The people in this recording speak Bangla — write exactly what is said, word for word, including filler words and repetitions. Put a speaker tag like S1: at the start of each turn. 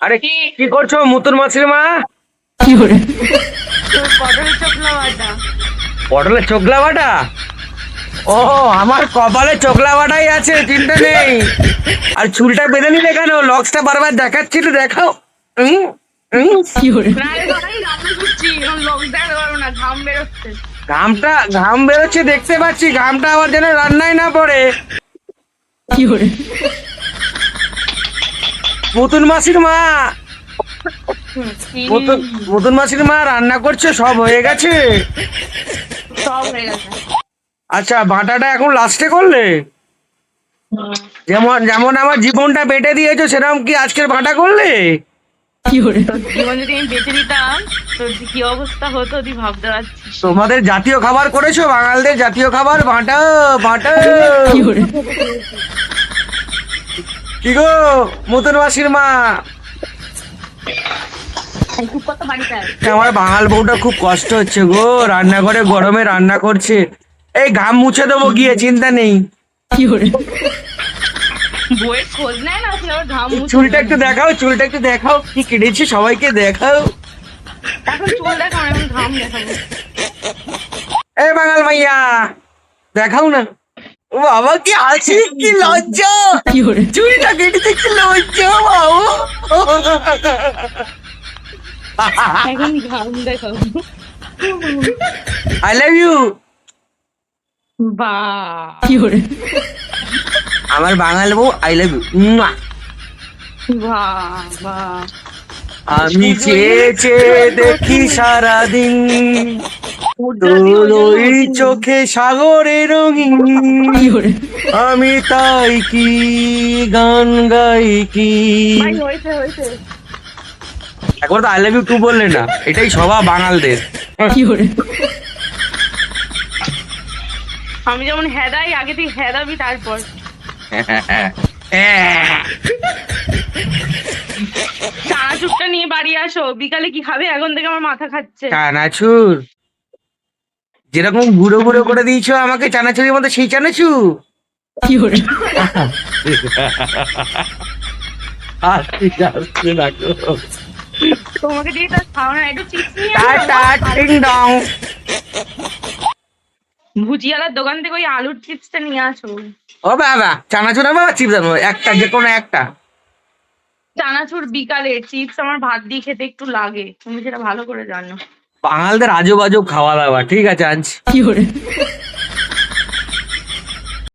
S1: আরে কি করছো মুতুর মাছের মা?
S2: কি করে
S3: পটলের চোখলা বাটা।
S1: পটলের চোখলা বাটা? ও আমার কপালে চোখলা বাটাই আছে, চিন্তা নেই। আর চুলটা বেঁধে নিলে কেন? লক্সটা বারবার দেখাচ্ছিল, দেখাও। উম, উম।
S2: কি করে
S3: না রে বাবা, আমি রান্না করছি, এখন লোক দেখাতে পারবো না, ঘাম বেরোচ্ছে।
S1: ঘামটা ঘাম বেরোচ্ছে দেখতে পাচ্ছি, ঘামটা আবার যেন রান্নায় না পড়ে।
S2: কি করে
S1: মুতুন মাসির মা,
S3: হুম, কি?
S1: মুতুন মুতুন মাসির মা রান্না করছে, সব হয়ে গেছে?
S3: সব হয়ে গেছে।
S1: আচ্ছা, বাটাটা এখন লাস্টে করলে?
S3: হুম।
S1: যেমন যেমন আমার জীবনটা বেটে দিয়েছো, সেরকম কি আজকের বাটা করলে?
S2: কি করে
S3: তোর জীবন যদি আমি বেঁচে দিতাম, তোর যে কি অবস্থা হতো তুই ভাবতে পারছিস।
S1: তোমাদের জাতীয় খাবার করেছো, বাঙালদের জাতীয় খাবার বাটা বাটা।
S2: কি করে
S1: কি গো মুতুন মাসির মা,
S3: খুব কত বাড়িতে আয়।
S1: আমার বাঙাল বউটা খুব কষ্ট হচ্ছে গো, রান্নাঘরে গরমে রান্না করছে। এই ঘাম মুছে দেবো গিয়ে, চিন্তা নেই।
S2: কি করে
S3: বইয়ের খোঁজ নেয় না, তুই আবার ঘাম মুছে
S1: চুলটা
S3: দিবি।
S1: একটু দেখাও, চুলটা একটু দেখাও, কি কেটেছি সবাইকে দেখাও।
S3: এখন চুল দেখাও, এখন ঘাম দেখাবো।
S1: এই বাঙাল মাইয়া দেখাও না। ও বাবা কি হাসি, কি লজ্জা,
S2: কি করে
S1: চুলটা কেটেছে, কি লজ্জা বাবু।
S3: এখন ঘাম দেখাবো।
S1: I love you.
S3: বা
S2: কি করে
S1: আমার বাঙাল বউ আই লাভ ইউ।
S3: বা বা
S1: আমি চেয়ে চেয়ে দেখি সারাদিন তোর ওই চোখে সাগরে রঙিন।
S2: কি করে
S1: আমি তাই কি গান গাই কি।
S3: ভাই হয়েছে হয়েছে।
S1: একবার তো আই লাভ ইউ টু বললে না, এটাই স্বভাব বাঙালদের।
S2: কি করে
S3: আমি যেমন হেদাই, আগে তুই হেদাবি তারপর। চানাচুরটা নিয়ে বাড়ি আসো, বিকালে কি খাবে? এখন থেকে আমার মাথা খাচ্ছে।
S1: চানাচুর যেরকম গুঁড়ো গুঁড়ো করে দিয়েছো আমাকে চানাচুরের মধ্যে, সেই চানাচুর।
S2: কি করে
S1: আসতে আসতে রাখো।
S3: তোমাকে দিয়ে তার খাওয়া না, একটু চিপস নিয়ে
S1: টাটা
S3: আসো।
S1: টিং ডং।
S3: ভুজিয়ালার দোকান থেকে ওই আলুর চিপসটা নিয়ে আসো।
S1: ও বাবা, চানাচুর বাবা, চিপস আনবো একটা, যে কোনো একটা।
S3: চানাচুর বিকালে, চিপস আমার ভাত দিয়ে খেতে একটু লাগে, তুমি সেটা ভালো করে জানো।
S1: বাঙালদের আজব আজব খাওয়া দাওয়া, ঠিক আছে আনছি।
S2: কি করে